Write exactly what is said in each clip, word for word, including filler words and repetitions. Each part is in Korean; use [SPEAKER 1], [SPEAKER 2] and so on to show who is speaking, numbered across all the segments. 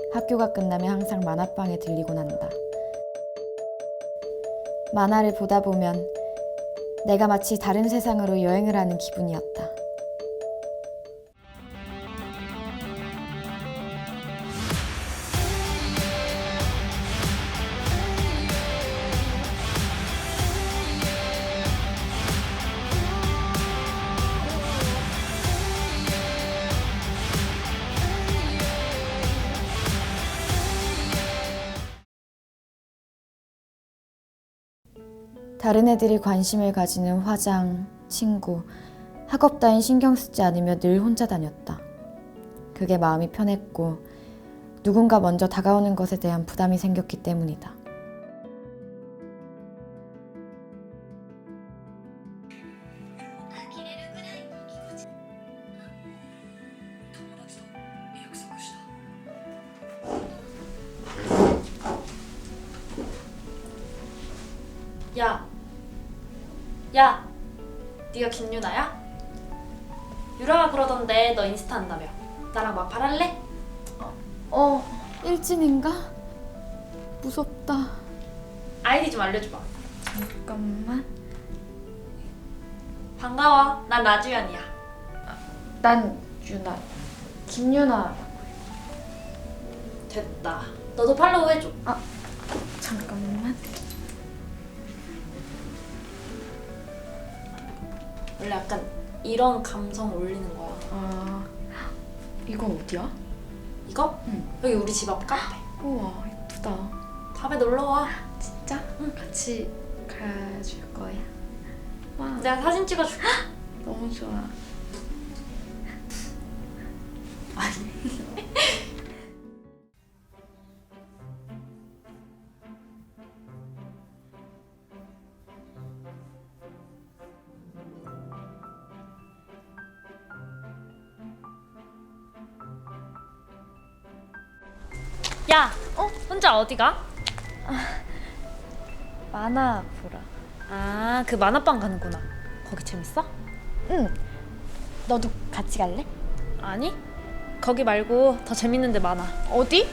[SPEAKER 1] 학교가 끝나면 항상 만화방에 들리곤 한다. 만화를 보다 보면 내가 마치 다른 세상으로 여행을 하는 기분이었다. 다른 애들이 관심을 가지는 화장, 친구, 학업 따윈 신경 쓰지 않으며 늘 혼자 다녔다. 그게 마음이 편했고 누군가 먼저 다가오는 것에 대한 부담이 생겼기 때문이다.
[SPEAKER 2] 야, 야, 네가 김유나야? 유라가 그러던데 너 인스타 한다며. 나랑 마팔 할래?
[SPEAKER 1] 어, 일진인가? 무섭다.
[SPEAKER 2] 아이디 좀 알려줘봐.
[SPEAKER 1] 잠깐만.
[SPEAKER 2] 반가워, 난 라주연이야.
[SPEAKER 1] 난 유나. 김유나.
[SPEAKER 2] 됐다. 너도 팔로우 해줘.
[SPEAKER 1] 아, 잠깐만.
[SPEAKER 2] 원래 약간 이런 감성 올리는 거야.
[SPEAKER 1] 아, 이건 어디야?
[SPEAKER 2] 이거?
[SPEAKER 1] 응.
[SPEAKER 2] 여기 우리 집 앞 카페.
[SPEAKER 1] 우와, 예쁘다.
[SPEAKER 2] 밤에 놀러와.
[SPEAKER 1] 진짜?
[SPEAKER 2] 응.
[SPEAKER 1] 같이 가줄 거야? 와,
[SPEAKER 2] 내가 사진 찍어줄게.
[SPEAKER 1] 너무 좋아.
[SPEAKER 2] 야, 어? 혼자 어디 가?
[SPEAKER 1] 만화 보러.
[SPEAKER 2] 아, 그 만화방 가는구나. 거기 재밌어?
[SPEAKER 1] 응. 너도 같이 갈래?
[SPEAKER 2] 아니, 거기 말고 더 재밌는 데 많아.
[SPEAKER 1] 어디?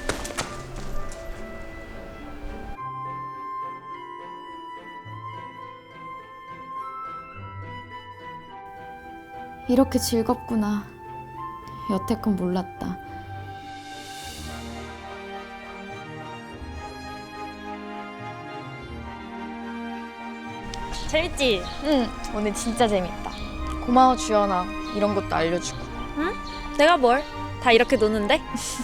[SPEAKER 1] 이렇게 즐겁구나. 여태껏 몰랐다.
[SPEAKER 2] 재밌지?
[SPEAKER 1] 응, 오늘 진짜 재밌다. 고마워, 주연아. 이런 것도 알려주고.
[SPEAKER 2] 응? 내가 뭘? 다 이렇게 노는데?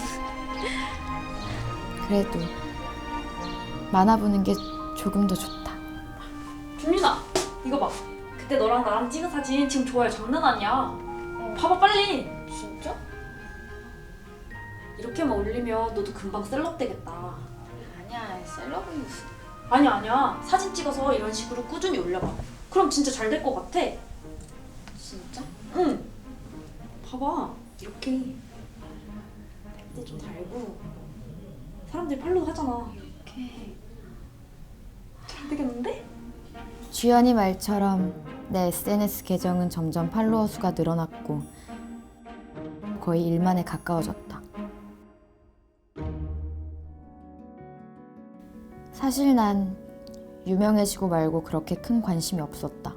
[SPEAKER 1] 그래도 만화 보는 게 조금 더 좋다.
[SPEAKER 2] 준윤아, 이거 봐. 그때 너랑 나랑 찍은 사진 지금 좋아요 장난 아니야. 어. 봐봐 빨리.
[SPEAKER 1] 진짜?
[SPEAKER 2] 이렇게만 올리면 너도 금방 셀럽 되겠다.
[SPEAKER 1] 아니야, 셀럽은 무슨.
[SPEAKER 2] 아니야 아니야. 사진 찍어서 이런 식으로 꾸준히 올려봐. 그럼 진짜 잘 될 것 같아.
[SPEAKER 1] 진짜?
[SPEAKER 2] 응. 봐봐. 이렇게 그때 좀 달고 사람들이 팔로우 하잖아.
[SPEAKER 1] 이렇게.
[SPEAKER 2] 잘 되겠는데?
[SPEAKER 1] 주연이 말처럼 내 에스엔에스 계정은 점점 팔로워 수가 늘어났고 거의 일만에 가까워졌다. 사실 난 유명해지고 말고 그렇게 큰 관심이 없었다.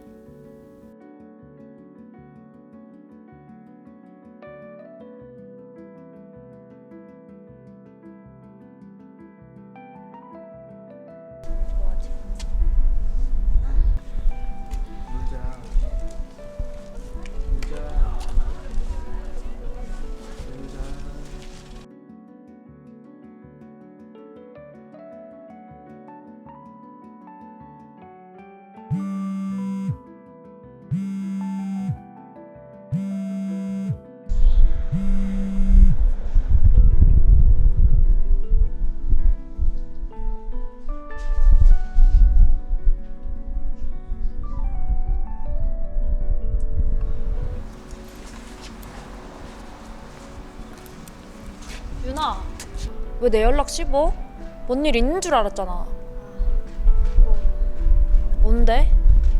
[SPEAKER 2] 윤아, 왜 내 연락 씹어? 뭔 일 있는 줄 알았잖아. 뭔데?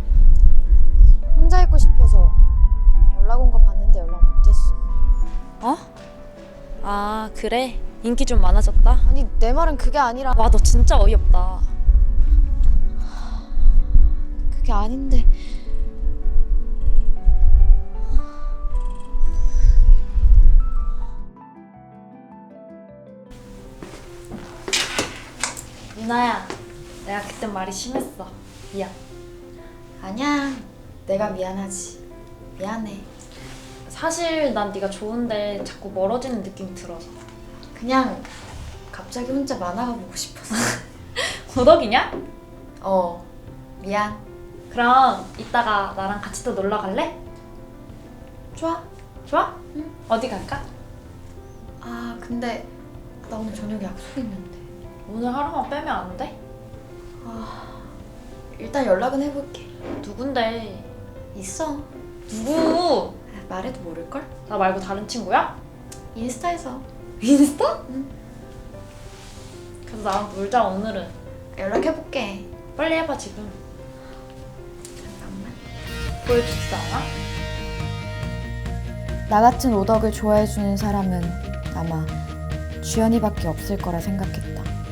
[SPEAKER 1] 혼자 있고 싶어서 연락 온 거 봤는데 연락 못했어.
[SPEAKER 2] 어? 아, 그래? 인기 좀 많아졌다.
[SPEAKER 1] 아니 내 말은 그게 아니라.
[SPEAKER 2] 와, 너 진짜 어이없다.
[SPEAKER 1] 그게 아닌데.
[SPEAKER 2] 유나야, 내가 그때 말이 심했어. 미안.
[SPEAKER 1] 아니야. 내가 미안하지. 미안해.
[SPEAKER 2] 사실 난 네가 좋은데 자꾸 멀어지는 느낌이 들어서.
[SPEAKER 1] 그냥 갑자기 혼자 만화가 보고 싶어서.
[SPEAKER 2] 도덕이냐?
[SPEAKER 1] 어. 미안.
[SPEAKER 2] 그럼 이따가 나랑 같이 또 놀러 갈래?
[SPEAKER 1] 좋아.
[SPEAKER 2] 좋아?
[SPEAKER 1] 응.
[SPEAKER 2] 어디 갈까?
[SPEAKER 1] 아 근데 나 오늘 저녁에 약속 있는데.
[SPEAKER 2] 오늘 하루만 빼면 안 돼?
[SPEAKER 1] 일단 연락은 해볼게.
[SPEAKER 2] 누군데?
[SPEAKER 1] 있어.
[SPEAKER 2] 누구?
[SPEAKER 1] 아, 말해도 모를걸?
[SPEAKER 2] 나 말고 다른 친구야?
[SPEAKER 1] 인스타에서.
[SPEAKER 2] 인스타?
[SPEAKER 1] 응.
[SPEAKER 2] 그래서 나랑 놀자 오늘은.
[SPEAKER 1] 연락해볼게.
[SPEAKER 2] 빨리 해봐 지금.
[SPEAKER 1] 잠깐만.
[SPEAKER 2] 보여주지도 않아?
[SPEAKER 1] 나 같은 오덕을 좋아해주는 사람은 아마 주연이밖에 없을 거라 생각했다.